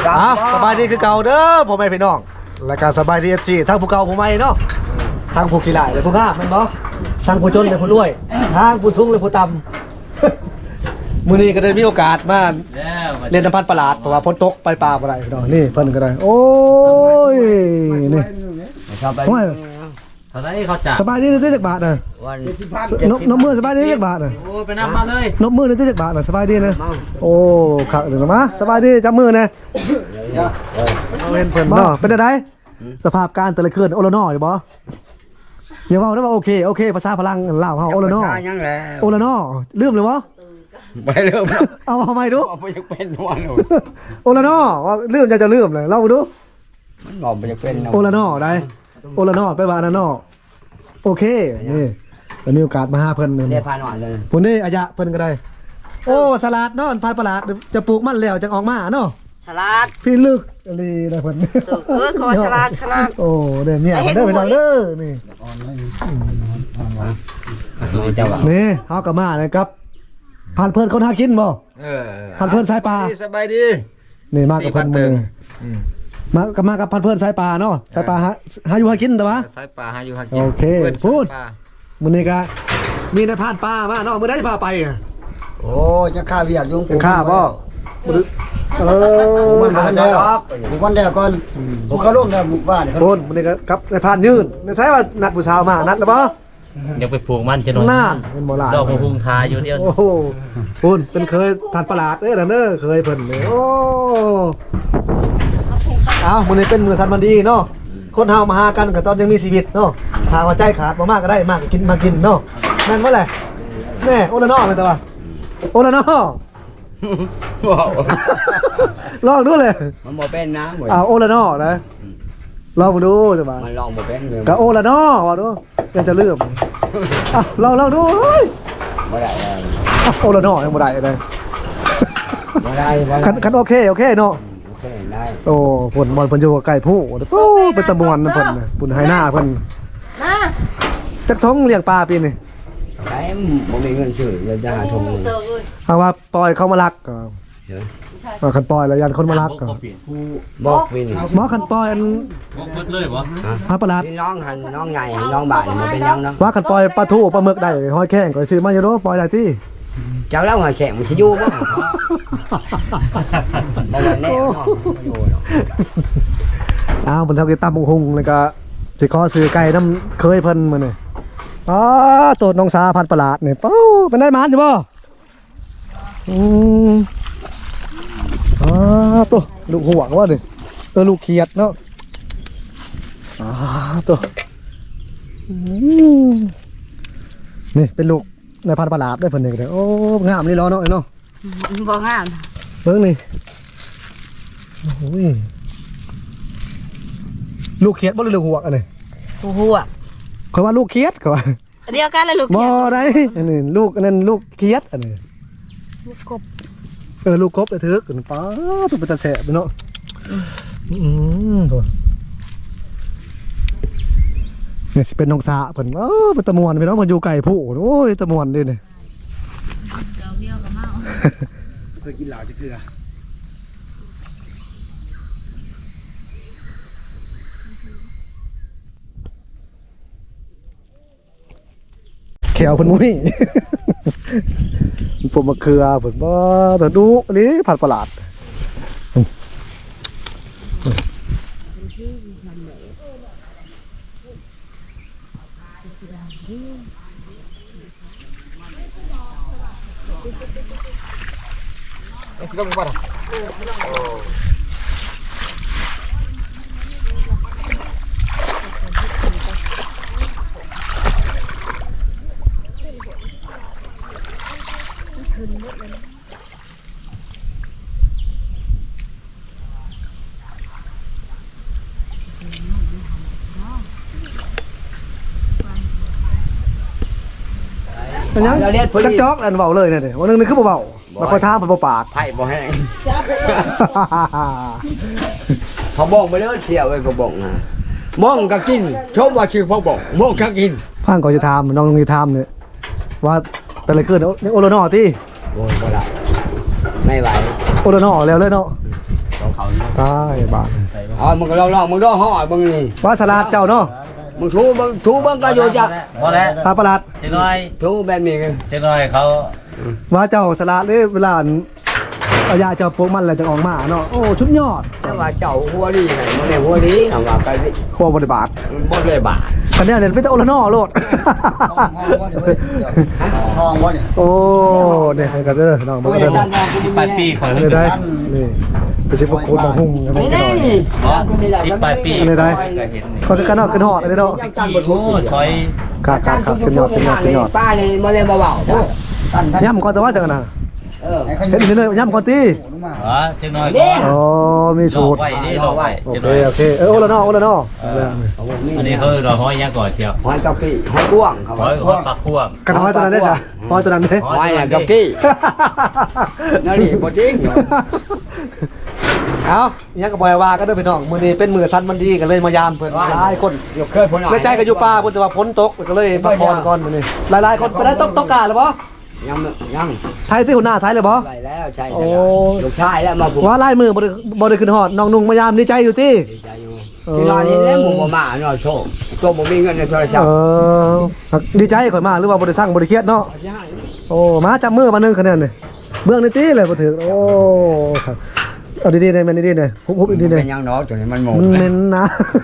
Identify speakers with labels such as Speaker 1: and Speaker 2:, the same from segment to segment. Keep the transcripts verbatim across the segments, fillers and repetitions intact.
Speaker 1: อ่ะสบายดีคือเก่าเด้อพ่อแม่พี่น้องรายการสบายดีเอฟซีทั้งผู้เก่าผู้ใหม่เนาะทั้งผู้ขี้หลายและผู้งามแม่นบ่ทั้งผู้จนและผู้รวยทั้งผู้สูงและผู้ต่ำมื้อนี้ก็ได้มีโอกาสมาเรียนน้ำพันประหลาดเพราะว่าฝนตกไปป่าบ่ได้พี่น้องนี่เพิ่นก็ได้โอ้ยนี่ครับไปเท่าไหร่เขาจ่ายสบายดีได้จักบาทน่ะวันนกนกมือสบายดีจักบาทน่ะโอ้ไปนำมาเลยนกมือได้จักบาทน่ะสบายดีนะโอ้ขักเดี๋ยวมาสบายดีจับมือนะเล่นเพิ่นเนาะเป็นได้สภาพการแต่ละคืนโอละนออยู่บ่อย่าเว้าได้ว่าโอเคโอเคภาษาพลังลาวเฮาโอละนอโอละนอลืมเลยบ่ไม่ลืมเอาทำไมดูบ่อยากเป็นวันโอละนอว่าลืมจะจะลืมเลยเล่าดูมันบอกบ่อยากเป็นโอละนอได้โอละนอไปว่านะนอโอเคนี่จะมีโอกาสมาหาเพิ่นเด้พาหน่อยเลยพุ่นนี่อายะเพิ่นก็ได้โอ้สลัดเนาะพันประหลาดจะปลูกมันแล้วจะออกมาเนาะสลัดพี่ลึกอะไรนะเพิ่นเออขอสลัดสลัดโอ้เด้เนี่ยเด้อไปหน่อยเด้อนี่นี่เฮาก็มาเลยครับผ่านเพิ่นคนหากินบ่เออผ่านเพิ่นสายปลาสบายดีนี่มากับเพิ่นมื้อมากับมากับพันเพื่อนสายปลาเนาะสายปลาหาหาอยู่หากินแต่ว่าสายปลาหาอยู่หากินโอเคพูดมื้อนี้ก็มีในผ่านปลามาเนาะมื้อใดพาไปโอ้จะฆ่าเวียกยุงฆ่าบ่เออมันบ่ได้หรอกบุกวันแล้วก่อนบุกเข้าร่วมแล้วบุกบ้านโอนมื้อนี้ก็ครับในผ่านยืนในสายว่านัดผู้สาวมานัดแล้วบ่
Speaker 2: ยังไปปลูกมันจะนอน
Speaker 1: น่านเป็นบ่ล่ะ
Speaker 2: ดอกพุงทาอยู่เดียว
Speaker 1: โอ้โหพูนเป็นเคยทานประหลาดเอ้ยนั่นเด้อเคยเพิ่นโอ้อ้าวมื้อนี้เป็นมื้อสันวันดีเนาะคนเฮามาหากันก็ตอนยังมีชีวิตเนาะถ้าว่าใจขาดบ่มากก็ได้มากก็กินมากินเนาะแม่นบ่แหละแน่โอละนอเลยแต่ว่าโอละนอลองดูเลย
Speaker 3: มันบ่เป็นนะ
Speaker 1: อ้าวโอละนอนะลองดูจังว่า
Speaker 3: มันลองบ่เป็นเลย
Speaker 1: ก็โอละนอว่าดูยังจะลืมอ้าวลองลองดู
Speaker 3: บ่ได้
Speaker 1: อ้าวโอละนอยังบ่ได้เลย
Speaker 3: บ่ได้
Speaker 1: คันคันโอเคโอเคเนาะโอ้ผลบอลเพิ่นอยู่ใกล้ผู้โอ้เป็นตะมวนนะเพิ่นปุ่นไฮหน้าเพิ่นนะจักท้องเลี้ยงปลาปีนี่
Speaker 3: ไอ้บ่มีเงินซื้อเลยจะหาทง
Speaker 1: เอาว่าปล่อยเขามาลักก็คันปล่อยแล้วยันคนมาลักก็
Speaker 3: บอกปีนี่
Speaker 1: หมอคันปล่อยอัน
Speaker 2: บอกเบิดเลยบ่
Speaker 1: ฮะประหลาด
Speaker 3: น้องหันน้องใหญ่น้องบ่ายมันเป็นยังเนาะ
Speaker 1: ว่าคันปล่อยปลาทูปลาหมึกได้ห้อยแข้งก็ซื้อมาอยู่เนาะปล่อยได้ที่
Speaker 3: เจ้าเล่าหอยแข็งมันสิอยู่บ่บ่แน่เนาะ
Speaker 1: อ้าวเพิ่นทำกินตำบักหุ่งแล้วก็สิขอซื้อไก่น้ำเคยเพิ่นมื้อนี่อ๋อโตดน้องสาพันประหลาดนี่ปู้เป็นได้หมานอยู่บ่อืมอ๋อตัวลูกห่วงว่าดิเออลูกเขียดเนาะอ๋อตัวนี่เป็นลูกในพันประหลาดได้เพิ่นนี่ก็ได้โอ้งามนี่ล้อเนาะเนาะ
Speaker 4: บ่งาม
Speaker 1: เบิ่งนี่โอ้ยลูกเขียดบ่หรือลูกห่วงอันนี้
Speaker 4: ลูกห่วง
Speaker 1: เขาว่าลูกเขียดเขาว่า
Speaker 4: เดียวกันเลยลูกเขียด
Speaker 1: บ่ได้อันนี้ลูกอันนั้นลูกเขียดอันนี้
Speaker 4: ลูกกบ
Speaker 1: เออลูกกบเลยถือกันป้าตัวเป็นตาแสบเนาะอืมตัวเนี่ยเป็นนกสาเพิ่นเออเป็นตะมวนพี่น้องเพิ่นอยู่ไก่ผู้โอ้ยตะมวนดิเนี่ย
Speaker 4: เราเดียวกับเมา
Speaker 3: เคยกินเหล้าจะเกลือ
Speaker 1: แขวเพิ่นมุ้ยผมมาเคือเพิ่นบ่แต่ดูอันนี้ผัดประหลาดเอ๊ะก็มีบ่ล่ะโอ้เราเรียนจักจอกอันเบาเลยเนี่ยวันนึงนี่คือเบาๆมาคอยท้ามันปาก
Speaker 3: ไผ่บ่แห้งเขาบอกไปแล้วเที่ยวไอ้เขาบอกนะมองก็กินชอบว่าชื่อเขาบอกมองก็กิน
Speaker 1: พังก่อนจะทำน้องนี่ทำเนี่ยว่าแต่ละเกิดโอโลนอที่
Speaker 3: โอ้ยบ่ได้ไม่ไหว
Speaker 1: โอโลนอแล้วเลยเนาะ
Speaker 3: ต
Speaker 2: เขาอยู่
Speaker 1: ตายบาด
Speaker 3: อ๋อมึงก็ลองๆมึงดูห่อมึงนี่
Speaker 1: ว่าฉลาดเจ้าเนาะ
Speaker 3: มึงชูมึงชูมึงก็อยู่จัก
Speaker 2: พอแล้ว
Speaker 1: ตาประหลาด
Speaker 2: เจ๊น้อย
Speaker 3: ชูแบบนี้
Speaker 2: เจ๊น้อยเขา
Speaker 1: ว่าเจ้าฉลาดเลยเวลาเอายาเจ้าพวกมันอะไรจะออกมาเนาะโอ้ชุดยอด
Speaker 3: แต่ว่าเจ้าหัวดีไงมึงเนี่ยหัวดีคำว่าก็
Speaker 1: ครัวบริบาท
Speaker 3: บ่เลยบาท
Speaker 1: คันนี้เนี่ยไม่ต้องโอละนอโลด
Speaker 5: ทองวะเนี่ย
Speaker 1: โอ้เนี่ยกันเด้อน้องบ่กันเด้อ
Speaker 2: สิบแปดปีข่อย
Speaker 1: นี่ได้นี่ไปสิบกคนมาหุ่มกันไป
Speaker 3: นี่
Speaker 1: กันหน่อย
Speaker 3: นี่
Speaker 2: อ๋อสิบแปดปี
Speaker 1: อันนี้ได้
Speaker 2: ก็เห็นนี่
Speaker 1: ก็กันเนาะขึ้นหอดอันนี้เนาะ
Speaker 2: กี่โอ้ซอย
Speaker 1: ครับครับครับขึ้นยอดขึ้นยอดขึ้นยอด
Speaker 3: ป้านี่บ่เลยเบาๆ
Speaker 5: ตั้นกัน
Speaker 1: ย่ำก่อนแต่ว่าจังนะ
Speaker 3: เออ
Speaker 1: เห็นนี่เลยย่ำก่อนตี
Speaker 2: อ๋อเจ๊น้อยก็
Speaker 1: อ๋อมี
Speaker 2: หล
Speaker 1: สู
Speaker 2: อก
Speaker 1: ตร
Speaker 2: ไว้นี่หลอกไว้
Speaker 1: โอ
Speaker 2: เจ๊
Speaker 1: เค
Speaker 2: น้อย
Speaker 1: โอเคเออโอละนอโอละนอ
Speaker 2: อันนี้เขาเราห้อยยังก่อนเชียว
Speaker 3: หอยกับกี้หอยก้วงเขา
Speaker 2: ห้อยห้อยปักพวก
Speaker 1: กันน้อยตัวนั้นได้จ้ะน้อยตัวนั้นเด้
Speaker 3: หอยน่ะกับกี้นั่นนี่บ่จริง
Speaker 1: เอายังกับบอยว่าก็เด้อพี่น้องมื้อนี้เป็นมื้อสั้นมันดีกันเลยมายามเพิ่นหลายคน
Speaker 3: ยกเคยพ้น
Speaker 1: เลยใจก็อยู่ป่าเพิ่นแต่ว่าฝนตกก็เลยพักผ่อนก่อนมื้อนี้หลายๆคนไปได้ตกตกกาหรือบ่
Speaker 3: ยังยัง
Speaker 1: ไทยที่หัวหน้าไทยเลยบ่
Speaker 3: ไปแล้วใช่
Speaker 1: โอ้
Speaker 3: ลูกชายแล้วมาผูก
Speaker 1: ว่าลายมือบ่ได้บ่ได้ขึ้นฮอดน้องนุ่งมายามดีใจอยู่ติ
Speaker 3: ดีใจอยู่ที่นอนนี่แล้วหมู่บ่มาเนาะโชคโชคบ่มีเงินในโทรศัพ
Speaker 1: เอ
Speaker 3: ท์
Speaker 1: อดีใจข่อยมาหรือว่าบ่ได้สั่งบ่ได้เครียดเนาะโอ้มาจับมือมานึงคะแนนนี่เบื้องในตีเลยบ่ถึงโอ้ครับเอาดีๆได้แม่นดีๆได้ฮุบๆดีๆได้
Speaker 3: เป็นยังเนาะตัวนี้มันหมด
Speaker 1: มันเหม็นนะ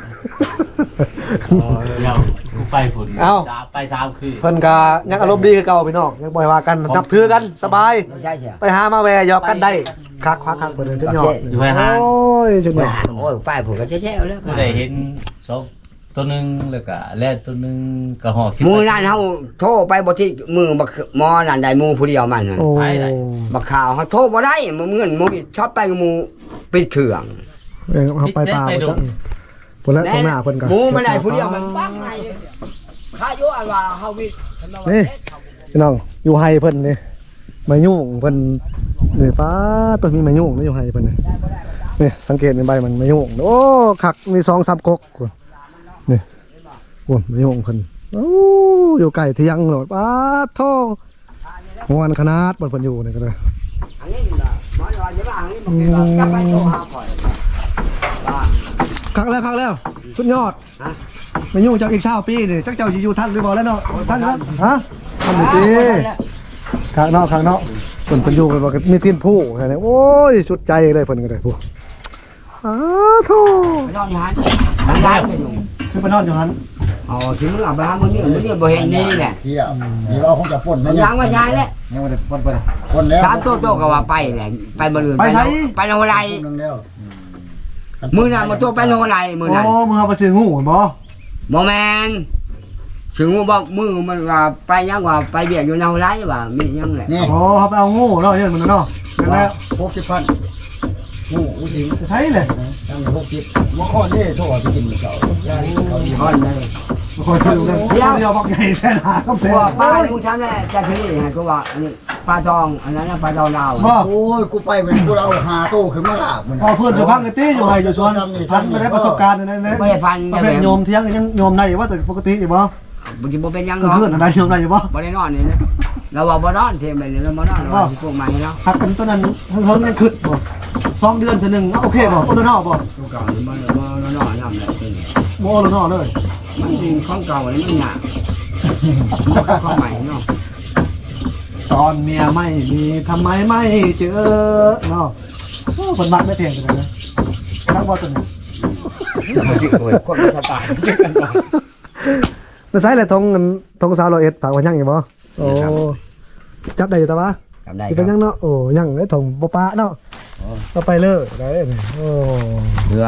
Speaker 2: เดี๋ยวกูไปผุน
Speaker 1: เอ้า
Speaker 2: ไปสามคืน
Speaker 1: เพิ่นก็ยังอารมณ์ดีคือเก่าพี่น้องยังบ่อยว่ากันนับถือกันสบาย
Speaker 3: ใช่ใช่
Speaker 1: ไปหามาแวหยอกกันได้คักคักคักเพิ่นจุดยอด
Speaker 2: อยู่ไปหา
Speaker 1: โอ้ยจุดยอด
Speaker 3: โอ้ยป้ายผมก็แช่ๆแล้ว
Speaker 2: ก็ได้เห็นสองตัวหนึงแล้วก็แล่ตัวหนึงก็หอกสิบ
Speaker 3: มือนั่นเฮาโทรไปบ่ที่มือบักหมอนั่นได้มือผู้เดียวมันนั่น
Speaker 1: โอ้
Speaker 3: บักข่าวเขาโทรบ่ได้มือเงินมือช็อตไปกับมือปิดเครื่อง
Speaker 1: เออเอาไปป่าไปจ้ะเพิ่นแล้วตรงหน้าเพิ่นก็
Speaker 3: หมูมันได้ผู้เดียวมันปักไงข้าอยู่อันว่าเฮาวิ
Speaker 1: นี่พี่น้องอยู่ไฮเพิ่นนี่มายุ่งเพิ่นนี่ป้าตัวมีมายุ่งนี่อยู่ไฮเพิ่นนี่นี่สังเกตในใบมันมายุ่งโอ้คักมีสองสามก๊กนี่โอ้มายุ่งเพิ่นโอ้อยู่ไก่เที่ยงโหลดป้าโทงวนขนาดบนเพิ่นอยู่นี่ก็เลย
Speaker 3: อันนี้น่ะหมอว่าจะว่าอันนี้มันก็กลับไปโทรหาข่อยว่า
Speaker 1: คักแล้วคักแล้วสุดยอด
Speaker 3: ฮะ
Speaker 1: มายุ่งเจ้าอีกเช้าปีนี่จักเจ้าสิอยู่ทันหรือบ่แล้วเนาะทันครับฮะทำดีดีข้างนอกข้างนอกเพิ่นเพิ่นอยู่กันบ่ก็มีตีนผู้แค่นี้โอ้ยสุดใจเลยเพิ่นก็ได้ผู้อ้าโธ่
Speaker 3: ไปนอนอยู่หันทางด้านก็อยู่
Speaker 1: คือไปนอนอยู่นั้น
Speaker 3: อ๋อสิมึงเอาไปหามื้อนี้มื้อนี้บ่เห็นนี่แหละ
Speaker 5: เที่ยวนี่เราคงจะป่น
Speaker 3: มันยังว่าใช่แล้ว
Speaker 5: ยังไม่ได้ป่นไปป่นแล้ว
Speaker 3: สามโตโตก็ว่าไปแหละไปบ่ลืมไปไปโนไร
Speaker 5: นึงแล้ว
Speaker 3: มื้อนั้นมาโตไปโนไรมื้อนั้น
Speaker 1: โอ้มึงเอาไปซื้องูเหรอบ่
Speaker 3: บ่แม่นถึงบอกมือมันว่าไปยังว่าไปเบียดอยู่โนไรว่ามียังแหละ
Speaker 5: นี่
Speaker 1: โอ้เขาไปเอางูเนาะเฮ็ดมันเนาะนั่นแหละ
Speaker 5: หกสิบพันงูอุ้งสิง
Speaker 1: ใช่เลย
Speaker 5: ตั้งหกสิบว่าข้อนี้โทษไปกินเก่าเขาดี
Speaker 3: ฮอนเลย
Speaker 1: บางคนซื้อกันเดี๋ยวเดี๋ยวบอกใหญ่แท้หนาก็
Speaker 3: ตั
Speaker 1: เสียว
Speaker 3: ป้าในกูทำแหละจะถือนี่ก็ว่านี่ปลาทองอันนั้นปลาทองดาว
Speaker 1: บ่
Speaker 5: โอ้ยกูไปเป็นกูเราหาโต้ขึ้นมาลาบมัน
Speaker 1: พอเพื่อนสุพังกันตี้อยู่ไห้อยู่ชวนพันไม่ได้ประสบการณ์นั่นนะ
Speaker 3: ไม่ได้พัน
Speaker 1: ประเภทโยมเที่ยงยังโยมได้อยู่ว่าแต่ปกติอยู่บ่
Speaker 3: บางทีบ่เป็นยัง
Speaker 1: กลาง
Speaker 3: เนาะ
Speaker 1: คืนอะไรโยมได้อยู่บ่
Speaker 3: บ่ได้นอนนี่นะเราว่าบ่นอนเทมไปนี่เราบ่นอนเราพวกใหม่เนาะ
Speaker 1: หักเป็นต้นนั้นเฮิงยังขึ้นบ่สองเดือนเท่านึงโอเคบ่โอโลนอบ่
Speaker 3: ตัวเก่านี่บ่บ่นอนนำได้จริง
Speaker 1: บ่โอโลนอเลย
Speaker 3: มันจริงของเก่านี่มันหนักของใหม่เนาะ
Speaker 1: ตอนเมียไม่มีทำไมไม่เจอเนาะโอ้คนมักไม่เพียงกันนะนักบ่ตัวนี้
Speaker 3: คนสไตล์กันบ่
Speaker 1: แล้วใช้อะไรทงทงสาวร้อยเอ็ดฝากไว้ยังอยู่บ่โอ้จับได้อยู่ตะวะ
Speaker 3: จำได้
Speaker 1: สิ
Speaker 3: ค
Speaker 1: เป็
Speaker 3: รั
Speaker 1: น
Speaker 3: บ
Speaker 1: ยังเนาะโอ้ยังไอ้ทงบ่ปะเนาะก็ไปเลยได้นี่โอ้
Speaker 3: เดือน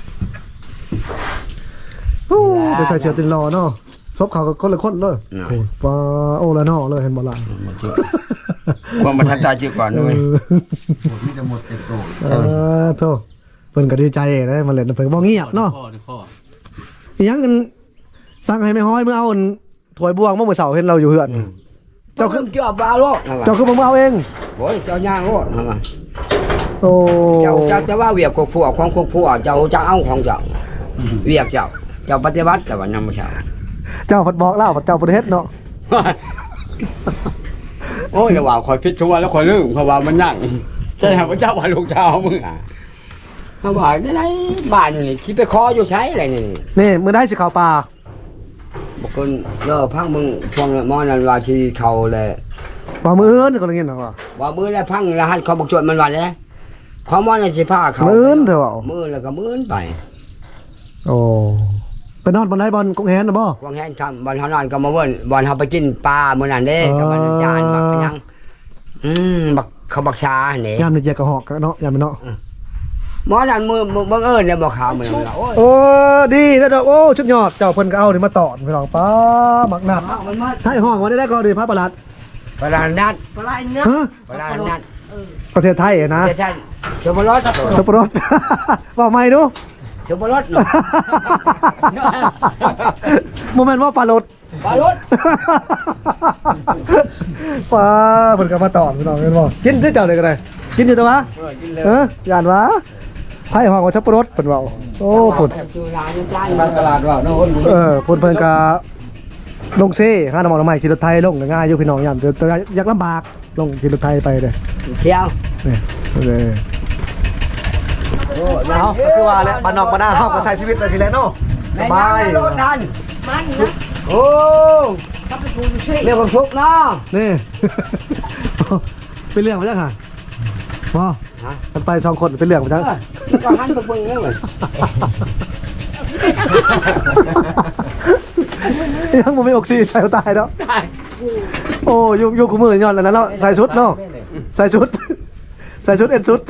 Speaker 1: โหไปใส่เสื้อตินรอเนาะซบเขาก็คนละคนเลยโอ้ปลาโอ้ละเนาะเลยเห็นบ่ล่ะ
Speaker 3: ความประทับใจจีก่อนด้วย
Speaker 5: มีแต่หมดเต็มโต
Speaker 1: เออโธ่เพิ่นก็ดีใจได้มาเล่นเพิ่นบ่เงียบเนาะ
Speaker 2: ข้อข้อ
Speaker 1: อีหยังกันสั่งให้แม่ฮ้อยมื้อเอาอันถ้วยบวงเมื่อมื้อเช้าเห็นเราอยู่เฮือน
Speaker 3: เจ้าคือเกี่ยวปลาโลก
Speaker 1: เจ้าคือบ่มาเอาเอง
Speaker 3: โอ้ยเจ้าย่างโลกนะ
Speaker 1: โอ้
Speaker 3: เจ้าเจ้าจะว่าเวียกกพวกของพวกพวกเจ้าจะเอาของเจ้าเวียกเจ้าเจ้าปฏิบัติแต่ว่านำมาเช้า
Speaker 1: เจ้าเพิ่นบอกแล้วว่าเจ้าบ่ได้เฮ็ดเนาะ
Speaker 3: โอ้ยระหว่างคอยพิจชัวแล้วคอยลืมเพราะว่ามันยั่งใช่ไหมพระเจ้าว่าลูกเจ้ามึงอ่ะเขาบอกได้ไรบ้านนี่ชิไปคออยู่ใช้อะไรนี่
Speaker 1: นี่มือได้สิเข้าป่า
Speaker 3: บอกคนเลิกพังมึงพวงมอนันว่าชีเขาเลย
Speaker 1: บ่มืออื่นคนละเงี้ยนะว่า
Speaker 3: ว่ามือแล้วพังรหัสเขาบอกจดมันวันเลยเขามอนันสิผ้าเขา
Speaker 1: มืออื่นเถอะเว้า
Speaker 3: มือแล้วก็มือไป
Speaker 1: โอ้ไปนอนบนไหนบอลกงแฮนนะบ่
Speaker 3: พวงแห้งทำบอลเขานอนก็มาเวิ้นบอลเขาไปกินปลามื้อนั้นเด้กับมันจานบักไปยังอืมบักเขาบักชาเนี่ย
Speaker 1: ยามนี่แยกกระหอกกันเนาะยามเนาะ
Speaker 3: หมอนันมือบังเอิญเนี่ยบอกข่าวเหมือนเราโอ้ย
Speaker 1: โอ้ดีนะดอกโอ้ชุดยอดเจ้าเพิ่นก็เอานี่มาตอนพี่น้องป้าหมักหนัด
Speaker 3: มันมา
Speaker 1: ไทยห้องมาได้ได้ก็ดีพระประหลัด
Speaker 3: ปลานัด
Speaker 4: ปลาเนื้อ
Speaker 1: ฮะ
Speaker 3: ปลานัด
Speaker 1: ประเทศไทยอะนะ
Speaker 3: ใช่ชมรส
Speaker 1: สับปะรด ว่าไม่ดู
Speaker 3: ชมรส
Speaker 1: โมเมนต์ว่าปลารด
Speaker 3: ปลารส
Speaker 1: ป้าเพิ่นก็มาตอนพี่น้องเห็นบ่กินที่เจ้าเลยก็ได้กินอยู่ตัววะเออย่านวะไทยห้องว่าสับปะรดเพิ่นเว้าโอ้พุ่น
Speaker 3: จูราน้ำจาน
Speaker 5: บางตลาดว่าน้องคน
Speaker 1: เออพุ่นเพิ่นก็ลงเซ่ห้าน้ำมันน้ำใหม่ขี่รถไทยลงก็ง่ายอยู่พี่น้องยามแต่แต่อยากลำบากลงขี่รถไทยไปเด้อ
Speaker 3: เที่ยว
Speaker 1: นี่เลยเอาก็คือว่าแหละบ้านนอกบ้านนาเฮาก็ใช้ชีวิตไปสิแหล้วเนาะสบาย
Speaker 3: รถทัน
Speaker 4: มันนะ
Speaker 3: โอ้เรื่องของทุกเนาะ
Speaker 1: นี่ เป็นเรื่องมาจังค่ะบ่มันไปสองคนเป็นเรื่องมาจัง
Speaker 3: ก็หันไปเบิ่งแล้วเลย
Speaker 1: ยังบ่มีออกซิใส่ตายเนาะโอ้อยู่อยู่กูมือย้อนแล้วนะเนาะใส่ชุดเนาะใส่ชุดใส่ชุดเอ็นชุด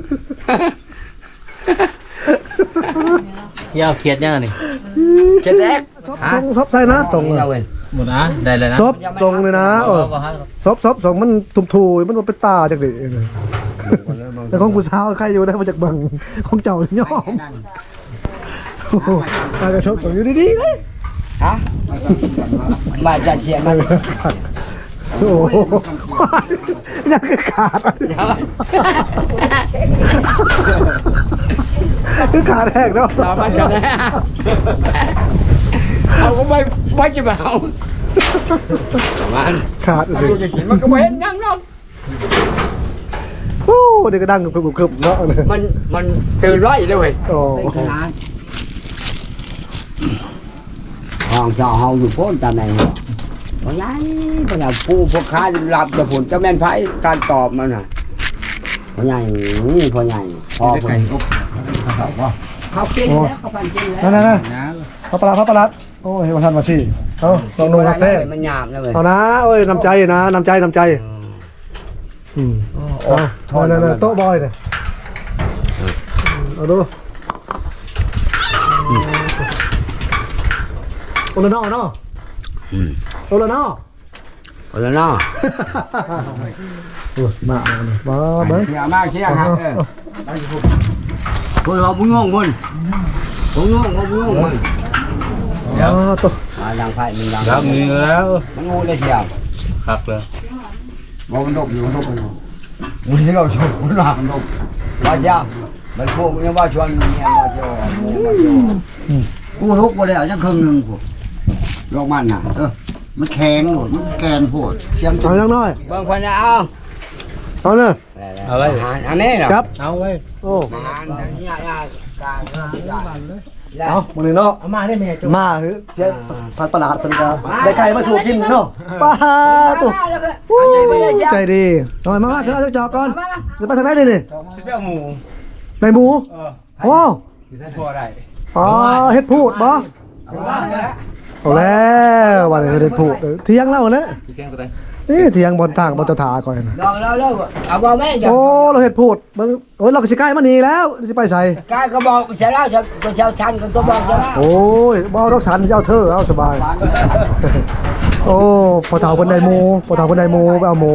Speaker 2: ยาวเขียดยังนี่
Speaker 3: เจ็ดแรก
Speaker 1: ส่งซบใส่นะส่ง
Speaker 3: เอาเว้ย
Speaker 2: หมดนะได้เลยนะ
Speaker 1: ซบส่งเลยนะเออซบซบส่งมันทุ่มทูมันบ่เป็นตาจักดิแต่ของผู้สาวใครอยู่ได้มาจากบังของเจ้าย่อมโอ้โหตากระชกส่งอยู่ดีๆเลย
Speaker 3: ฮะมาจัดเชียร์มา
Speaker 1: โอ้โหยังก็ขาดคือขาดแหกเนาะ
Speaker 3: ต่อมันกันนะเอาก็ไม่ไม่จะมาเอามัน
Speaker 1: ขาด
Speaker 3: มัน
Speaker 1: เลย
Speaker 3: ดูจะเห็นมันก็ไม่เห็นยังเนาะ
Speaker 1: โอ้เด็กก็ดังกึบกึบเนาะ
Speaker 3: มันมันตื่นร้อยเลยเว้ย
Speaker 1: โอ้
Speaker 3: ห้องเจ้าเฮาอยู่โพ้นตาแมงเพราะงั้นเพราะงั้นผู้พวกค้าหลับจะผลจะแม่นไพ่การตอบมันน่ะเพราะงั้นนี่เพราะงั้นพอคน
Speaker 5: เขาว่า
Speaker 3: เขากินแล้วเขาปั่นกินแล้ว
Speaker 1: นั่นนั่นพระประหลัดพระประหลัดโอ้ยวันทันมาสิเอาลองดูครับเต้
Speaker 3: มันหยาบแล้วเว้ย
Speaker 1: เอานะโอ้ยน้ำใจนะน้ำใจน้ำใจอืมเอานั่นนั่นโต๊ะบอยเนี่ยเอาดูโอละนอเนาะโอละนอ
Speaker 3: เอาแล้วเนาะ
Speaker 1: โอ้ยมาเอาเนี่ยมาเบิ้ง
Speaker 3: เชี่ยมากเชี่ยครับเออคุณเอาบุญงงบุญบุญงงบุญงงบุญ
Speaker 1: อ๋อตัว
Speaker 3: มาดังไฟมันดัง
Speaker 2: ครับมีแล้ว
Speaker 3: มันงูได้เชียว
Speaker 2: ครับเลย
Speaker 5: บอกมันดกอยู่มันดกอยู่
Speaker 3: มันที่เราชวนมันหลับมันดกว่าเจ้ามันพวกมันยังว่าชวนเมียมาชวนเมียมาชวน
Speaker 5: กูทุกบ่ได้เอาจังครึ่งนึงพวกลอกมันน่ะเออมันแข็งโหดมันแกนโพดเสียม
Speaker 1: เอาอย่างน้อย
Speaker 3: บางคนเอา
Speaker 1: เอาเลย
Speaker 2: เอาไว้
Speaker 3: อาหารอันนี้เหรอ
Speaker 1: ครับ
Speaker 2: เอาไว้
Speaker 1: โอ้
Speaker 3: อาหารอันนี้ยากการแล้ว
Speaker 1: เอามาเลยเนาะ
Speaker 3: เอามาได้ไหมจ๊ะ
Speaker 1: มาเฮ้ยเจ๊พัดประหลาดเป็นกาได้ไก่มาสู่กินเนาะป้าตุ๊ใจดีหน่อยมามาเถอะจอก่อนจะไปทางไหนดินี่
Speaker 5: สิไปเอาหมู
Speaker 1: ในหมู
Speaker 5: เออ
Speaker 1: โอ้
Speaker 5: สิได้ทั่วได้
Speaker 1: อ๋อเฮ็ดพูดบ่
Speaker 5: เอาว่าเนี่ย
Speaker 1: เอาแล้วว่าเฮ็ดพูดเที่ยงแล้วนะ
Speaker 5: พี่แข้งตัวใด
Speaker 1: นี่เที่ยงบนทางบนเจ้าถาก่อนนะ
Speaker 3: ลองแล้วแล้วเอาบ่แม่จ้ะ
Speaker 1: โอ้เราเฮ็ดพูดเบิ่งโอ้ยเราก็สิใกล้มานี่แล้วสิไปใส่
Speaker 3: กายก็บอกเสียแล้วจะไปเช้าชันกันก็บอกเสียแล้ว
Speaker 1: โอ้ยบ่เอาดอกสันเจ้าเธอเอาสบาย โอ้พอเฒ่าเพิ่นได้หมูพอเฒ่าเพิ่นได้หมูไปเอาหมู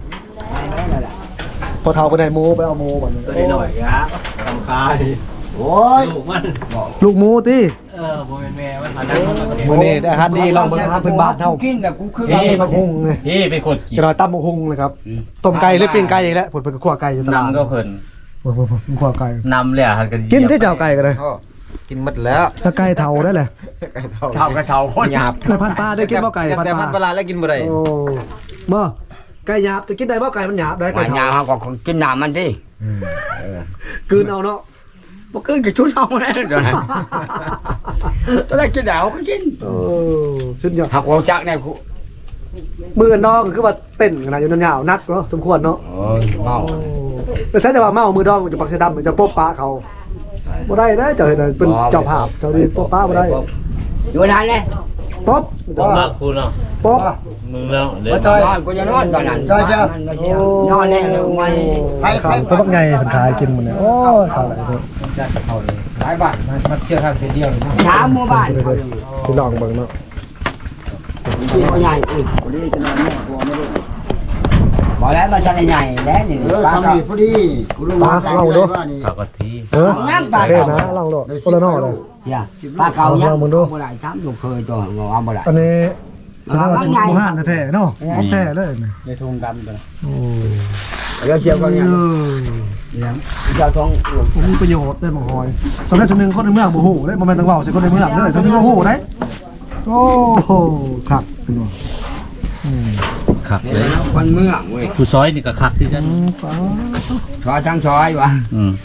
Speaker 1: พอเฒ่าเพิ่นได้หมูไปเอาหมูบัดนี้
Speaker 5: ตัวนี้หน่อยครับทำคายโอ้ยลูกมัน
Speaker 1: ลูกหมูติ
Speaker 5: เออบ่แม่นแม่มันมานั่งมันก็
Speaker 1: มื้อนี้ได้อาหารดีลองเบิ่งอาหารเพิ่นบ้านเฮา
Speaker 3: กินแบบกูคือ
Speaker 1: ตำบักหุ่งนี่
Speaker 2: พี่ไปขดกิน
Speaker 1: จะน้อยตำบักหุ่งเลยครับต้มไก่หรือปิ้งไก่อีกแล้วเพิ่นเพิ่นก็คั่วไก่อยู่ตลาด
Speaker 2: นำก็เพิ่น
Speaker 1: เพิ่นเพิ่นคั่วไก่
Speaker 2: นำเลยอ่ะหันกัน
Speaker 1: กินที่เจ้าไก่ก็ได้
Speaker 5: กินหมดแล้ว
Speaker 1: ถ้าไก่เฒ่าได้แหละ
Speaker 3: เท่ากระเท่าคน
Speaker 5: หยาบ
Speaker 1: ไก่พันปลาได้กินบ่ไก่พัน
Speaker 5: แต่
Speaker 1: ป
Speaker 5: พันป
Speaker 1: ลา
Speaker 5: ลาแล้วกินบ่ได้
Speaker 1: โอ้บ่ไก่หยาบจะกินได้บ่ไก่มันหยาบได้
Speaker 3: ห
Speaker 1: ไก่
Speaker 3: วานยา
Speaker 1: เฒ่า
Speaker 3: เขาก็กินน้ำมันดิ
Speaker 1: กลืนเอาเนาะ
Speaker 3: บ่คืนกับชุดเอาแน่เดี๋ยวนั้นตอนแรกกินดาวก็กิน
Speaker 1: เออชุดยอด
Speaker 3: หักหัวจักแน่กู
Speaker 1: มือน้องก็คือว่าเต้นขนาดอยู่นานยาวนักเนาะสมควรเนาะ
Speaker 3: โอ้ยเมา
Speaker 1: แต่ใช่แต่ว่าเมามือดองมันจะปักเสดำมันจะโป๊ะป้าเขาบ่ได้นะเจ้าเห็นน่ะเป็นเจ้าภาพเจ้าดีโป๊ะป้าบ่ได้
Speaker 3: อยู่นานเลย
Speaker 1: ป๊อบ
Speaker 2: ผมรักคุณเนาะ
Speaker 1: ป๊อบ
Speaker 2: มึงแล้วเล่น
Speaker 3: นอนกูจะนอนตอนนั้นมันไม่เชื่อนอนแน่เลยไม่
Speaker 5: ไปไป
Speaker 1: เขาบักไงเพิ่นขายกินมื้อนี้โอ้ยเขาอะไรเด้อ
Speaker 5: หลายบาทมาเที่ยวทางเดียว
Speaker 3: ถามหมู่บ้าน
Speaker 1: สิลองเบิ่งเนาะ
Speaker 3: กินใหญ่อีก
Speaker 5: พอดีจะนอนแม่ตัวไม่รู้
Speaker 3: บอกแล้วมันจะใหญ่แล้วนี่
Speaker 5: เออสามีพอดีกูรู้ว่านี่
Speaker 2: ปากกที
Speaker 1: เออโอเคนะลองโลดโอละนอเลย
Speaker 3: อย่าปลาเก่ายังบ่ได้ถามลูกเคยตัวงอบ่ได้
Speaker 1: อันนี้สำหรับจุดหมู่ห้านแท้ๆเนาะของแท้เลยนะ
Speaker 5: ในทงดำกัน
Speaker 1: โอ้
Speaker 3: แล้วเชียวก็ยัง
Speaker 1: เออ
Speaker 3: เนี่ยเจ้าท้อง
Speaker 1: ผมมีประโยชน์ได้บางหอยสำหรับสำนึงคนในเมืองบ่ฮู้ได้บ่แม่นต้องเว้าใส่คนในเมืองเด้อสำนึงบ่ฮู้ได้โอ้โหครับพี่น้องอืม
Speaker 2: คักเลย
Speaker 3: คนเมืองเว้ย
Speaker 2: ผู้ซอยนี่ก็คักที่กัน
Speaker 1: ฟ้า
Speaker 3: ชอยทั้งชอยวะ
Speaker 2: อืม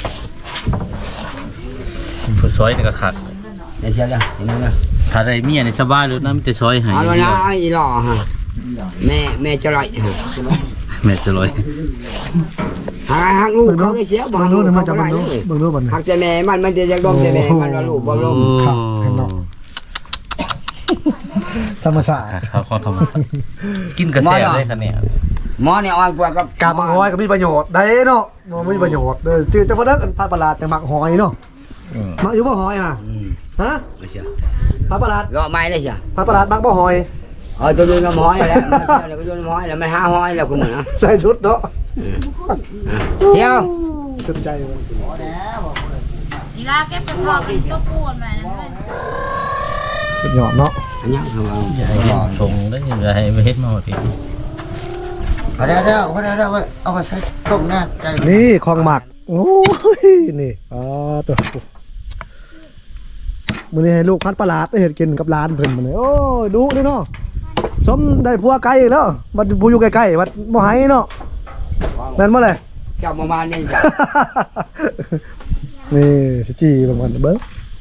Speaker 2: ผู้ซอยนี่ก็คัก
Speaker 3: เดี๋ยวเชียวจ้ะเห็นไหมล่ะ
Speaker 2: ถ้าได้เมียนี่สบายเลยนะมันจะซอยให้
Speaker 3: เอาละนะไอ้หล่อฮะแม่แม่จะไร
Speaker 2: แม่จะลอย
Speaker 3: หาหักลูกเขาได้เสียบ่
Speaker 1: เบิ่ง
Speaker 3: หัก
Speaker 1: ดู
Speaker 3: ลูก
Speaker 1: นี่มั
Speaker 3: เขา
Speaker 1: นจะ
Speaker 3: บ่
Speaker 1: เบิ่ง
Speaker 3: ได้
Speaker 1: ดู
Speaker 3: เลย
Speaker 1: เบิ่งดูบัดนี้
Speaker 3: หักแต่แม่มันมันจะยังดมแต่แม่มันว่าลูกบ่ลม
Speaker 1: ครับเห็นเนาะธรรมศาสตร์
Speaker 2: เขาเขาทำมาสักกินกระแสได้คะเนี่ย
Speaker 3: หมอเนี่ยอ่อนกว่ากับ
Speaker 1: กาบางหอยก็มีประโยชน์ได้เนาะมันมีประโยชน์เด้อจืดจังว่าเด้อพันประหลาดแต่หมักหอยเนาะ
Speaker 2: อืม
Speaker 1: หมักอยู่บ่หอยอ่ะ
Speaker 3: อืม
Speaker 1: ฮะ
Speaker 3: ไม่เชื่อ
Speaker 1: พันประหลาด
Speaker 3: รอไม้เลยเชียว
Speaker 1: พันประหลาดหมักบ่หอย
Speaker 3: เออตัวโยนน้ำห้อยแล้วมันเชื่อแล้วก็โยนน้ำห้อยแล้วมันหาห้อยแล้วคุณเหมือนนะ
Speaker 1: ใส่ชุดเนาะ
Speaker 3: เที่ยว
Speaker 1: จุดใจมัน
Speaker 4: อีลาเก็บกระสอบเป็นตัวปวดมานะ
Speaker 1: สุดยอดเนาะ
Speaker 3: อันนี้คือว่า
Speaker 2: อย่าให้ชงได้ยังไงให้ไปเฮ็ดมาที
Speaker 5: เอาได้แล้วเอาได้แล้วเอาไปใช้ต้มหน้าใจ
Speaker 1: นี่ของหมักโอ้ยนี่อ๋อตัวมื้อนี้ให้ลูกพันประหลาดได้เฮ็ดกินกับร้านเพิ่นมื้อนี้โอ้ยดุเด้เนาะสมได้ผัวไกลเนาะบัดผู้อยู่ใกล้ๆบัดบ่ให้เนาะแม่นบ่เลย
Speaker 3: เจ้าประมาณนี้จ้ะ
Speaker 1: นี่สิจีประมาณเบิ้ง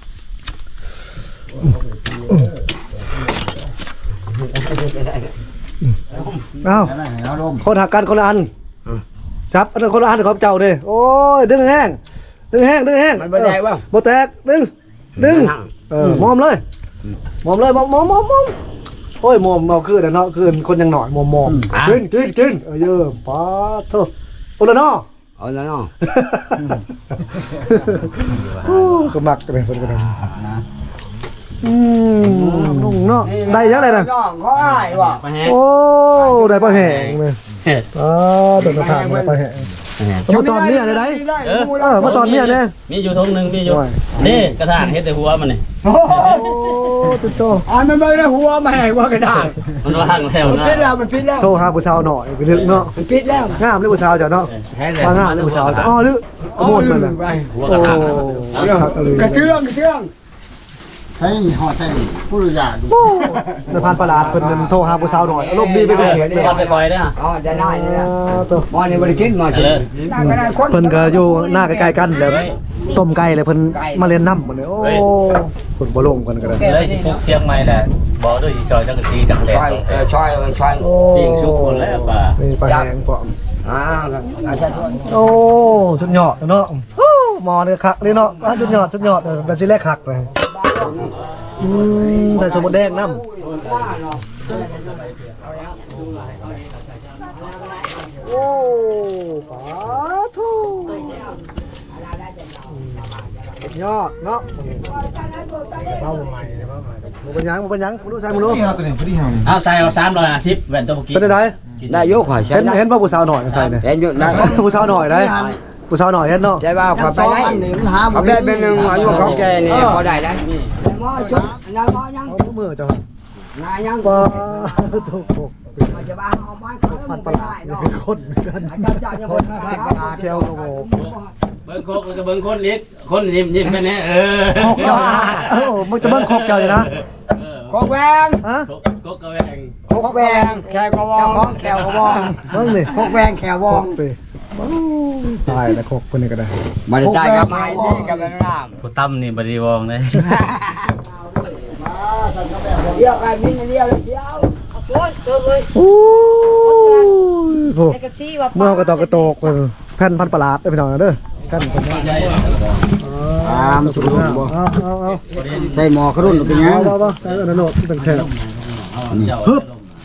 Speaker 1: เอ้า
Speaker 5: เอาลม
Speaker 1: คนหักกันคนละอันครับอันนั้นคนละอันของเจ้าเด้โอ้ยดึงแห้งดึงแห้งดึงแห้ง
Speaker 3: มันบ่แตกบ่
Speaker 1: บ่แตกดึงดึงเออมอมเลยมอมเลยมอมมอมมอมมอมโอ้ยมอมเอาคืนเนาะคืนคนยังหน่อยมอมมอมกินกินกินเออเยอะป้าโธ่โอ้ละเนาะ
Speaker 3: เอาแล้วเนาะ
Speaker 1: โอ้ก็มักเลยเพิ่นก็ได้
Speaker 5: นะ
Speaker 1: อืมนุ่งเนาะได้ยังไงน่ะ
Speaker 3: น้องเขาอ้ายบ่
Speaker 1: โอ้ได้ปลาแห้งเลยอ๋อโดนกระถางได้ปลาแห้งมาตอนเนี้ยได้ไหนเออมาตอนเนี้ยเนี่ย
Speaker 2: มีอยู่ทงหนึ่งมีอยู่
Speaker 1: โอ้ย
Speaker 2: นี่กระถางเฮ็ดแต่หัวมันนี่
Speaker 3: โอ้
Speaker 1: โอ้ตุ๊โต
Speaker 3: อ่านมันเบิ่งแล้วหัวมาให้ว่ากระดาษ
Speaker 2: มันว่างแล้ว
Speaker 3: มัน
Speaker 2: นะ
Speaker 3: ปิดแล้วมันปิดแล้ว
Speaker 1: โทรหาผู้สาวหน่อยไปลึกเนาะ
Speaker 3: มันปิดแล้ว
Speaker 1: งามเลยผู้สาวเจ้าเนาะ
Speaker 2: แท้เลย
Speaker 1: ว่างามเลยผู้สาวอ๋อลึกโมดมันน่ะ
Speaker 2: หัว
Speaker 1: โอ้
Speaker 2: กระถาง
Speaker 3: กระเทืองกระเทือง
Speaker 5: ใช้ห่อใช้ผู้รู้จักดู
Speaker 1: โอ้ในพันประหลาดเพิ่นนั่นโทรหาผู้สาวหน่อยอารมณ์ดีไปเป็นเสียงเลย
Speaker 2: ก่อนไปปล่อยเด้อ
Speaker 3: อ๋อได้ได้นี่แหละ
Speaker 1: อ๋อตัว
Speaker 3: หมอนี่บ่ได้กินหมอสิได้ก็ได้คน
Speaker 1: เพิ่นก็อยู่หน้าใกล้ๆกันแล้วต้มไก่เลยเพิ่นมาเรียนน้ำหมดเลยโอ้เพิ่นบ่ลงกันก็ได้
Speaker 2: เลยสิพวกเชียงใหม่แหละบอกด้วยสิซอยจังกะทีจังแหล
Speaker 3: ช่วยเออช่วยเออช่วย
Speaker 1: โอ้
Speaker 2: ปิ้งชุกคนแล้วป่า
Speaker 1: นี่ปลาแห้งปอม
Speaker 3: อ่าครับอาช่วยช่วย
Speaker 1: โอ้ชุดยอดเนาะฮู้หมอเนี่ยคักเลยเนาะอ่ะชุดยอดชุดยอดเออเป็นสิแรกคักเลยอืมใส่สมุนแดงน้ำโอ้ปาทูสุดยอดเนาะเป้าใหม่เป้าใหม่มันเป็นยังมันเป็นยังมันรู้ใช่มันรู้
Speaker 5: นี่เอาตัวนี้พอดีเฮานี่
Speaker 2: เอาใส่เอาสามร้อยห้าสิบแว่นตัวเมื่อกี้
Speaker 1: เป็นไง
Speaker 3: ได้ยกข่อยใช่
Speaker 1: เห็น
Speaker 3: ได้
Speaker 1: เห็นป่ะผู้สาวหน่อยใช่เนี่ย
Speaker 3: เห็นอยู่ได้
Speaker 1: ผู้สาวหน่อยได้ผู้สาวหน่อยเห็นเนาะ
Speaker 3: ใช่ป่าวขอไปได้
Speaker 5: นี่มันหา
Speaker 3: เขาได้เป็นหนึ่งอายุเขาแก่นี่พอได้แล้วหมอชุดนายหมอยัง
Speaker 1: เอามือเจ้าน
Speaker 3: ายยัง
Speaker 1: ปาถูก
Speaker 3: มาจะบ้าเอาไม้เขา
Speaker 1: พันป
Speaker 3: ไป
Speaker 1: ลา
Speaker 3: ได้เนาะ
Speaker 1: คนกัน
Speaker 3: อาจารย์จ่ายยังคนนะ
Speaker 1: แควกระโหก
Speaker 2: เบิ้งโคกแล้วก็เบิ้งคนเล็กคนยิ้มยิ้มกันแน่เออ
Speaker 1: คกเจ้าเออมึงจะเบิ้งคกเจ้าอยู่นะ
Speaker 3: โคกแวง
Speaker 1: ฮะ
Speaker 2: โคกกระแวง
Speaker 3: โคกแวงแขวกระวองแขวกระวอง
Speaker 1: เบิ้งนี่
Speaker 3: โคกแวงแขววอง
Speaker 1: ไปโอ้ตายแล้วครบคนนี้ก็ได้
Speaker 3: มาได้ใจกับไม้นี่กับน้ำ
Speaker 2: ผู้ตั้มนี่บริวองเลย
Speaker 3: เดียวกันมินเดียวเลยเดียว
Speaker 4: โอ้ยเกินเลย
Speaker 1: โอ้ยโห
Speaker 4: ไอ้กระชี้ว่า
Speaker 1: เมื่อกระตอกกระโตกแผ่นพันประหลาดได้พี่น้องเด้อแผ่นคนนี้
Speaker 5: ตามสุดรุ่นบ่
Speaker 1: เอาเอาเอา
Speaker 5: ใส่หมอขรุ่นเป็นยัง
Speaker 1: เอาเอาใส่อันนั้นโหลดเป็นแค่
Speaker 2: ฮึบ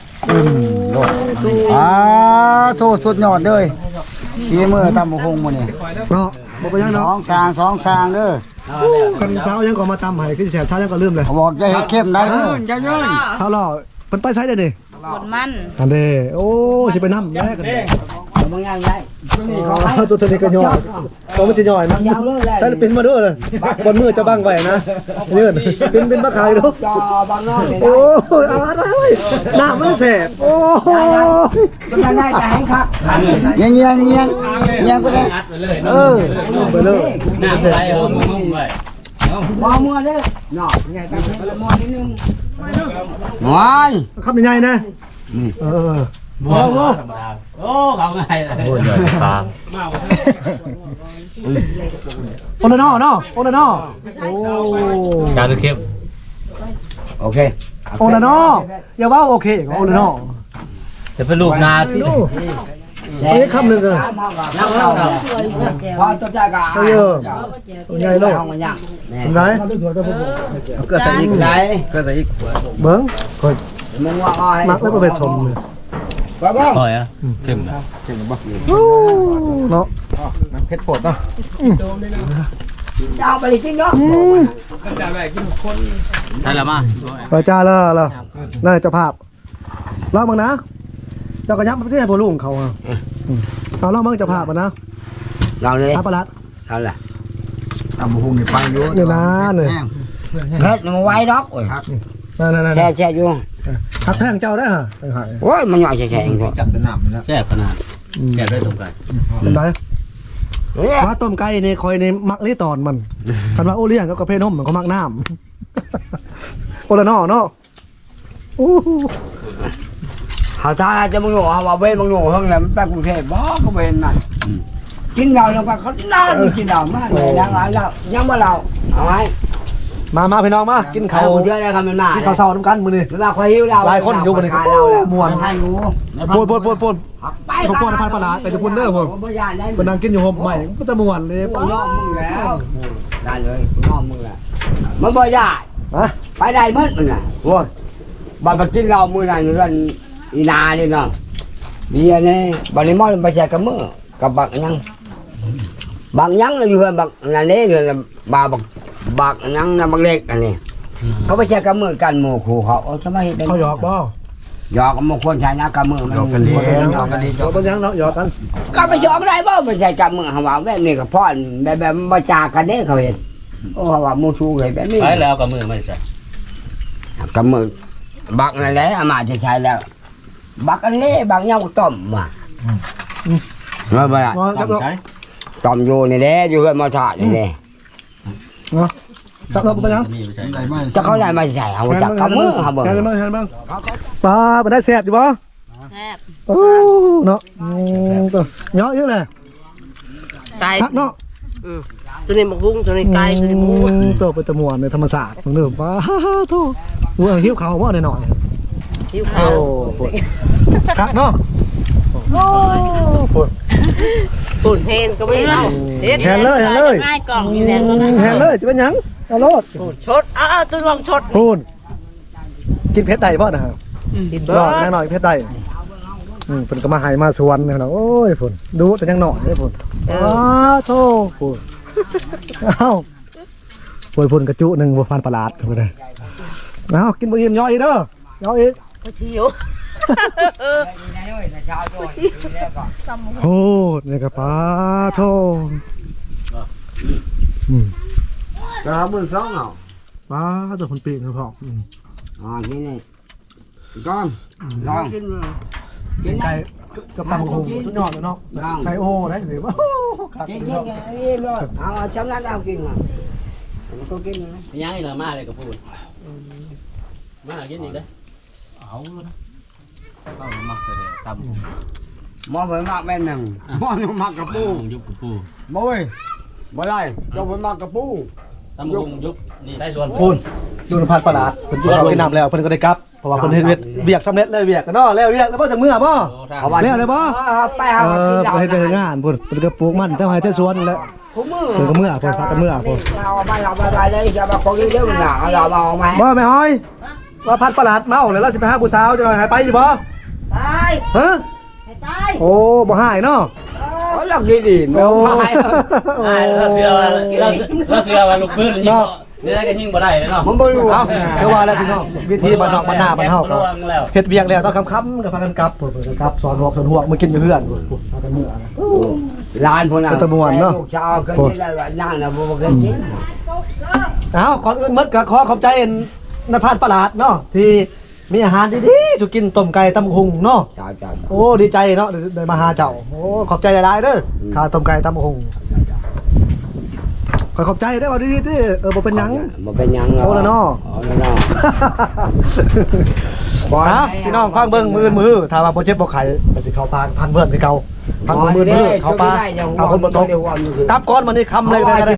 Speaker 5: อ่าโทษสุดยอดเลยสีมือตำบักหุ่งมื้อนี้
Speaker 1: เนาะบ่ไปยัง
Speaker 5: ส
Speaker 1: เนาะ
Speaker 5: องสางสองสางเด้อ
Speaker 1: กันเช้ายังก็มาตำให้คือแสบเช้ายังก็ลืมเลย
Speaker 5: เขาบอกจะเฮ็ดเข้มได้เด้อ
Speaker 3: จะยืน
Speaker 1: เช้าล่อเพิ่นไปใช้ได้ดิ
Speaker 4: ปวดมัน
Speaker 1: อันเด้โอ้สิไปนำแยกกัน
Speaker 3: บางอย่างได้
Speaker 1: อ๋อตัวนี้ก็ย่อยตัวมันจะย่อยนะใช้เป็นมาด้วยเลยบนมือจะบังไว้นะยืนเป็นเป็นมาขายดู
Speaker 3: จอบางนอกเลย
Speaker 1: โอ้ยเอาอัดไว้ไว้หน้ามันแสบโอ้ย
Speaker 3: ยังได้จะให้ครับ
Speaker 5: เงี้ยเงี้ยเงี้ยเงี้ยก็ได้
Speaker 1: เออไปเลย
Speaker 2: หน้าไปเอามือมุ่งไว้
Speaker 3: มอมัวเด้อเนาะไงตามเป็นมอนิดนึงว้าย
Speaker 1: คำใหญ่ๆนะเออ
Speaker 2: บัวบัวธรรมดาโอ้เขาไงบัวใหญ่ปลา
Speaker 1: โอนาโนเนาะโอนาโนโอ้
Speaker 2: การดูเข้ม
Speaker 3: โอเค
Speaker 1: โอนาโนอย่าว่าโอเคโอนาโน
Speaker 2: จะเป็นลูกนาที่
Speaker 1: อันนี้คำหนึ่งเลย
Speaker 2: นั่งเล่าเรา
Speaker 3: พอตัวใจกะ
Speaker 1: เยอะใหญ่โลก
Speaker 3: ห้องมันยัง
Speaker 1: เห็นไหม
Speaker 5: เกิดใส่อีกไหนเกิดใส่อีก
Speaker 1: เบิ้งคอย
Speaker 3: มึงว่าอ้อย
Speaker 1: มักไม่ประเภทชมเลย
Speaker 3: ก็บ้าง
Speaker 2: คอยอ่ะเข้มนะ
Speaker 1: เนาะ
Speaker 5: เพชรโปดเนาะ
Speaker 3: จะเอาไปจริงเนาะ
Speaker 2: ใช่แล้วมา
Speaker 1: ไปจ้าเลยเลยน่าจะภาพเล่าบ้างนะเจ้ากระยับประเทศพวกลูกของเขาเอาเล่าบ้างจะภาพมานะ
Speaker 3: เราเลย
Speaker 1: อาปลัด
Speaker 3: เอาล่ะ
Speaker 5: ตำบักหุ่งนี่ไปอยู่
Speaker 1: เนี่ยนะเนี่ย
Speaker 3: เฮ็ดมันไว้ดอกโอ้ย
Speaker 1: นั่นนั่นนั่น
Speaker 3: แช่แช่อยู่
Speaker 1: หักแพงเจ้าได้ฮะ
Speaker 3: โอ้ยมันหน่อยแช่แช่เอง
Speaker 5: จับเป็นน้ำแล้ว
Speaker 2: แซ่บขนาดแซ่บได้ตรงกัน
Speaker 1: เป็นไรว่าต้มไก่ในคอยในมักลี่ตอนมันคันว่าโอเลี้ยงก็กระเพาะนมมันก็มักน้ำโอละนอเนาะโอ้
Speaker 3: หาทางจะมึงโง่หาว่าเว้นมึงโง่เฮงแหละมันไปกรุงเทพบ่ก็เว้นนั่นกินเราลงไปเขาน่าดูกินเรามากเลยยังเรายังบ่เราเอาไว้
Speaker 1: มามาพี่น้องมากิน
Speaker 3: เขา
Speaker 1: ข้าว
Speaker 3: เยอะเลยครับมันมา
Speaker 1: กินข้าวเช้าน้ำกันมื้อนี้
Speaker 3: มันมาคอยหิวเรา
Speaker 1: หลายคนอยู่บนนี้
Speaker 3: เราแล้ว
Speaker 1: ม่วน
Speaker 5: ให้รู้
Speaker 1: ปนปนปนปน
Speaker 3: ไป
Speaker 1: เขาป้อนพันปลาไปทุกคนเด้อผม
Speaker 3: บ่ยานได้
Speaker 1: เป็นนางกินอยู่ห่มใหม่ก็จะม่วนเลย
Speaker 3: กูยอมมึงแล้วได้เลยกูยอมมึงแล้วมันบ่ยาน
Speaker 1: มา
Speaker 3: ไปได้หมดมันน่ะโอ้ยบัดมากินเรามื้อนั้นเรื่องอีนานี่เนาะเบียร์นี่บัดนี้มอไปแจกกับมือกับบักยังบักยังเราอยู่บักนั่นนี่เลยบาบักบักยังน่ะบักเล็กอันนี้เขาไปแจกกับมือกันหมู่ครูเขาเอาจะมาเฮ็ดได้
Speaker 1: เขาหยอกบ่
Speaker 3: หยอกกับมงคลใช้นะกับมือมัน
Speaker 5: หยอกกันดีหยอกกันดี
Speaker 1: หยอกต้นยังเนาะหยอกกัน
Speaker 3: ก็ไปหยอกได้บ่ไม่ใช่กับมือหาว่าแบบนี้ก็พ่อนแบบแบบมาจากกันเด้เขาเห็นโอ้ว่ามูชูเลยแบบนี้
Speaker 2: ไปแล้วกับมือไม่ใช่
Speaker 3: กับมือบักนั่นแหละอามาจะใช้แล้ว บักอันนี้บักเงาต้มว่ะว่าบ่ล่ะ
Speaker 1: จับเนาะ
Speaker 3: ต้มอยู่นี่แหละอยู่เฮือนมาทอดนี่แหละ
Speaker 1: เนาะจับเนาะเป็นยัง
Speaker 2: มีไม่ใช่
Speaker 5: ได้ไหม
Speaker 3: จะเขาได้มาใส่เอาจากกับมือหาเบิ่ง
Speaker 1: แกนบ้างแกนบ้างปลาไปได้แซ่บอยู่บ่
Speaker 4: แซ่บ
Speaker 1: โอ้เนาะตัวเยอะเยอะเลย
Speaker 6: ไก่
Speaker 1: คักเนาะ
Speaker 6: ตัวนี้หมกบุ้งตัวนี้ไก่ตัวนี้หมู
Speaker 1: ตัวเป็นตะมวนในธรรมศาสตร์ของเดิมป้าโธ่หัวหิ้วเขาว่าหน่อย
Speaker 6: หิว
Speaker 1: โอ้
Speaker 6: ข้าว
Speaker 1: ปวดคักเนาะโอ้ปวด
Speaker 6: ปุ่นเฮนก็ไม่เล่าเฮ็ด
Speaker 1: แทนเลยแทนเลย
Speaker 4: ง่ายกล่องมีแรงแล้วนะ
Speaker 1: แทนเลยจะเป็นยังเอาโลด
Speaker 6: ชดอ้าวตัวลองชด
Speaker 1: พูนกินเพชรใดพ่อนะครับ
Speaker 6: กิน
Speaker 1: ร
Speaker 6: เบิ
Speaker 1: อดแน่
Speaker 6: ร์
Speaker 1: นอนเพชรใดอืมเป็นก็มาใหายมาสวนเนี่ยนะโอ้ยพูนดูแต่ยังหน่อยเลยพูนอ้าวโธ่พูนเอ้าพูนพูนกระจุหนึ่งบัวฟันประหลาดพูนเลยเอากินบะหมี่ย่อยอีกเด้อย่อยอีก
Speaker 6: ก็ชิว
Speaker 1: โอ้นี่กระป้าโธ่อืม
Speaker 3: ก็มือสองเอา
Speaker 1: ป้าตัวคนปีกนะพ่ออืม
Speaker 3: อ๋อนี่นี่ก้อนลองกิน
Speaker 1: กินไก่กับตำบักหุ่งสุดยอดเลยเนาะใส่โอได้หรือว่าคัก
Speaker 3: กิน
Speaker 1: เลย
Speaker 3: กิน
Speaker 1: เนาะ
Speaker 3: กินนี่เลยเอาจำนั้นเอากินมามันก็กินนะ
Speaker 2: ยังอีกละมาเลยกับพูดมากินอีกได้เอาแล้วนะเข้ามาเลยตำ
Speaker 3: หมอเหมือนมากแม่นหนึ่งหมอหนุ่มมากกระปู
Speaker 2: ยุบกับปู
Speaker 3: บ่เว้ยบ่ได้เจ้าเหมือนมากกระปู
Speaker 2: ตำบงยุบนี่ได้ส่วน
Speaker 1: พูนดูนพันประหลาดเพิ่นกินข้าวกินน้ำแล้วเพิ่นก็ได้กลับเพราะว่าเพิ่นเฮ็ดเวียกเวียกสำเร็จแล้วเวียกกันเนาะแล้วเวียกแล้วบ่จังมื้อบ่
Speaker 3: เอาไว้
Speaker 1: แล้วเลยบ่
Speaker 3: ไป
Speaker 1: เอ
Speaker 3: เอา
Speaker 1: อ
Speaker 3: กิน
Speaker 1: ไปเฮ็ดไปเฮ็ดงานพุ่นเพิ่นก็ปลูกมันแต่ให้แต่สวนแล้ว
Speaker 3: ผมมือ
Speaker 1: เพิ่นก็มื้อพุ่นพักกันมื้อพุ่น
Speaker 3: เราเอาไปเราไปไปเลยจะมาคนนี้เด้อน่ะเอาเราเอาไหม
Speaker 1: บ่แม่ฮ้อยว่าพันประหลาดเมาแล้วเราสิไปหาผู้สาวจังหน่อยหายไปสิบ่
Speaker 6: ตาย
Speaker 1: ฮะ
Speaker 6: ให้ตาย
Speaker 1: โอ้บ่หายเนาะ
Speaker 3: เอาเรากินดิ
Speaker 1: โอ้
Speaker 3: ไม่เอา
Speaker 1: โอ้
Speaker 2: เราเสือว่าเราเสือว่าลูกพื้นยิงนี่ได้ก็ยิงบ่ได้เนาะ
Speaker 3: ผมบ่รู้
Speaker 1: เอ้าคือว่าแล้วพี่น้องวิธีบ้านนอกบ้านหน้าบ้านเฮาก็เฮ็ดเวียกแล้วต้องค่ำๆก็พากันกลับพุ่นเพิ่นก็กลับสอนหอกสอนหวกมากินอยู่เฮือนพุ่นพุ่นพากันมื้อนะ
Speaker 3: ร้านพวกนั้น
Speaker 1: ตะมวนเนาะ
Speaker 3: ลูกชาวเคยกินแล้วนั่งนะบ่เคยกิน
Speaker 1: เอ้าก่อนอื่นหมดก็ขอขอบใจนภาสประหลาดเนาะที่มีอาหารดีๆสุกินต้มไก่ตำหุงเนาะ
Speaker 3: ชาวชาว
Speaker 1: โอ้ดีใจเนาะได้ได้มาหาเจ้าโอ้ขอบใจหลายๆเด้อข้าวต้มไก่ตำหุงขอขอบใจได้อว่าดีๆที่เออบ่เป็นหยัง
Speaker 3: บ่เป็นหยังหรอก
Speaker 1: โอ้ละเนาะ
Speaker 3: โอ้ละเนาะ
Speaker 1: ฮะพี่น้องฟังเบิ่งมือมือถ้าว่าบ่เจ็บบ่ไข้ก็สิเข้าพานพันเบิ่นคือเก่าพันมือมือเข้าปลาเอาคนบ่ตกกลับก่อนมื้อนี้ค่ำเลยก็ได้